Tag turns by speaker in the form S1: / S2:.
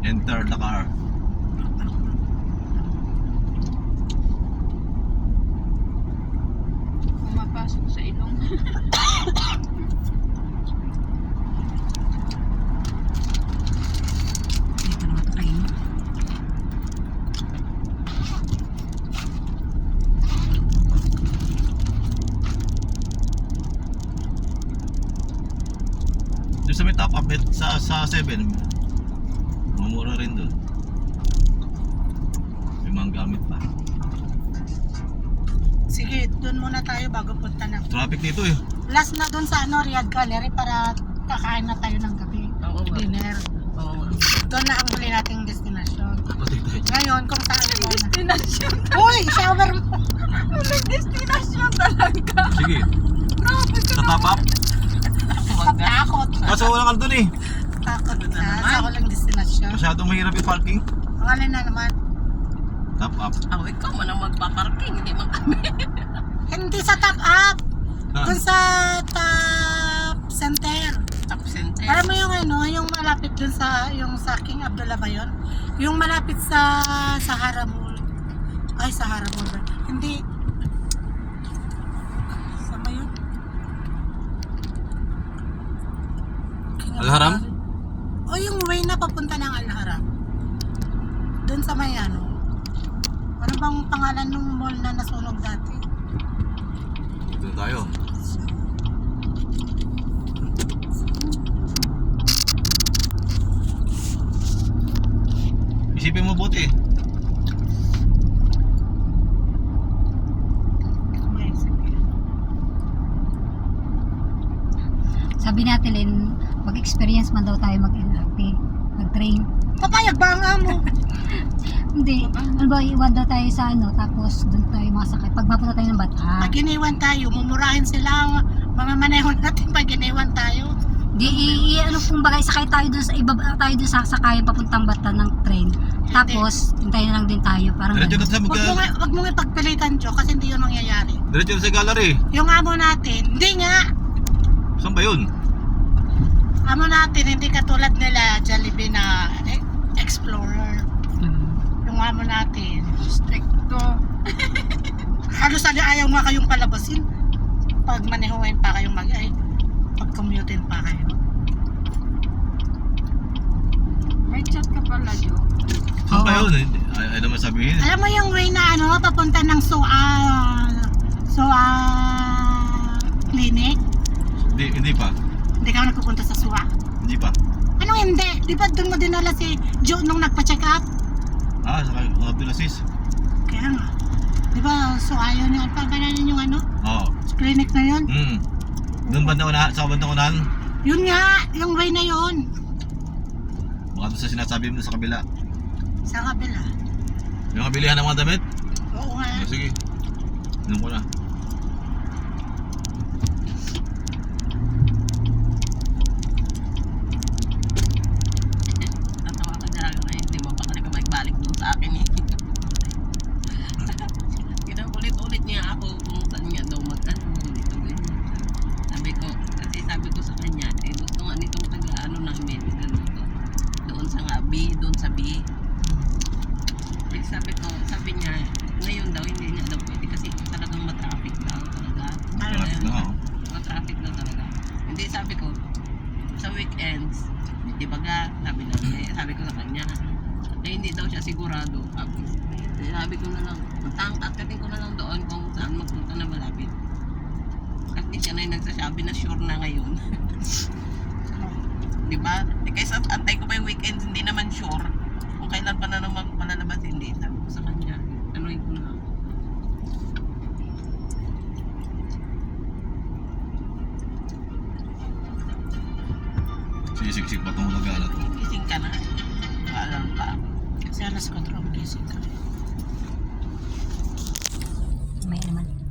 S1: Enter the car.
S2: Pumapasok sa ilong.
S3: Dito naman ito kayo.
S1: Doon sa may top up sa 7. Mumura rin doon. May mga gamit pa.
S3: Sige, doon muna tayo bago punta ng
S1: Traffic dito eh.
S3: last na doon sa Riyadh Gallery para kakain na tayo ng gabi.
S2: Oo nga.
S3: Dinner.
S2: Oo nga.
S3: Doon na ang huli nating destination.
S1: Patay tayo.
S3: Ngayon, kung saan mo na.
S2: Destination.
S3: Uy, shower mo!
S2: Walang destination talaga.
S1: Sige. Sa top up.
S3: Takot.
S1: Kaso wala ka doon eh.
S3: Takot
S2: Ano na
S3: na.
S2: naman?
S3: Sa walang destination.
S1: Masyadong mahirap yung parking.
S3: Ang alin na naman.
S1: Top up.
S2: Ako, ikaw man ang magpaparking, hindi man kami.
S3: Hindi sa top up.
S1: Ah,
S3: Doon sa top center.
S2: Top center.
S3: Alam mo yung yung malapit dun sa, yung sa King Abdullah ba yun? Yung malapit sa Sahara Mall. Ay, Sahara Mall ba? Hindi. Saan ba yun? King
S1: Al-Haram?
S3: Abdullah. O yung way na papunta ng Al-Haram. Dun sa may ano bang pangalan ng mall na nasunog dati?
S1: dito na tayo. Isipin mo buti.
S4: Sabi natin, Lynn, mag-experience man daw tayo mag-LRT, mag-train.
S3: Papayag ba ang amo?
S4: Hindi, ano ba, iwan daw tayo sa tapos doon tayo masakay. Pag mapunta tayo ng Bataan.
S3: Pag iniwan tayo, mumurahin sila ang mga maneho natin pag iniwan tayo.
S4: Di, kung bagay, sakay tayo doon sa, ibaba tayo doon sa sakayan papuntang Bataan ng train. Tapos, hintayin na lang din tayo. Parang
S1: Diretso na
S4: ganun.
S1: sa
S3: Wag mong ipagpilitan, Jo, kasi hindi yun mangyayari.
S1: Diretso na sa gallery.
S3: Yung amo natin, hindi nga.
S1: Saan ba yun?
S3: Amo natin, hindi katulad nila Jollibee na Explorer. Yung amo natin,
S2: Stricto.
S3: halos ayaw nga kayong palabasin. Pag manehuin pa kayong pag-commutein pa kayo.
S2: May chat ka pala, Jo.
S1: Saan ba
S4: Oo.
S1: yun? Ay naman sabihin.
S3: Alam mo yung way na papunta ng SUA clinic?
S1: Hindi pa.
S3: Hindi ka nagpupunta sa SUA.
S1: Hindi pa.
S3: Anong hindi? Di ba doon mo dinala si Jo nung nagpa-check up?
S1: Sa Abdulaziz.
S3: Kaya nga. Di ba SUA yun yung pagkananin yung
S1: Oo.
S3: clinic na yun?
S1: Doon banda unahan, sa bandang unahan.
S3: Yun nga, yung way na yun.
S1: Baka doon sa sinasabi mo sa kabila.
S3: Sa kabila.
S1: Yung kabilihan ng mga damit?
S3: Oo nga.
S1: Sige. Inom ko na.
S2: Natawa ka dyan na hindi mo pa talaga magbalik doon sa akin eh. Kinukulit-ulit niya ako kung saan niya daw dito ganyan. Sabi ko sa kanya, gusto nga nitong namin, ganito. Doon sa doon sa B. Sabi niya, ngayon daw, hindi niya daw pwede kasi talagang matraffic daw talaga.
S1: Traffic na ako.
S2: Matraffic daw talaga. Hindi, sabi ko, sa weekends, di ba sabi ko sa kanya, hindi daw siya sigurado. Sabi ko na lang, tangkatkatin ko na lang doon kung saan magpunta na malapit. Kasi siya na yung nagsasabi na sure na ngayon. Di ba? Kaysa antay ko pa yung weekends, hindi naman sure. Kung kailan pa na naman palalabas, hindi. Sabi ko sa kanya, anuin ko na.
S1: Sisiksik pa itong lagana to.
S2: Gising ka na. Paalam pa.
S3: Kasi alas 4 ang gising ka.
S4: May naman.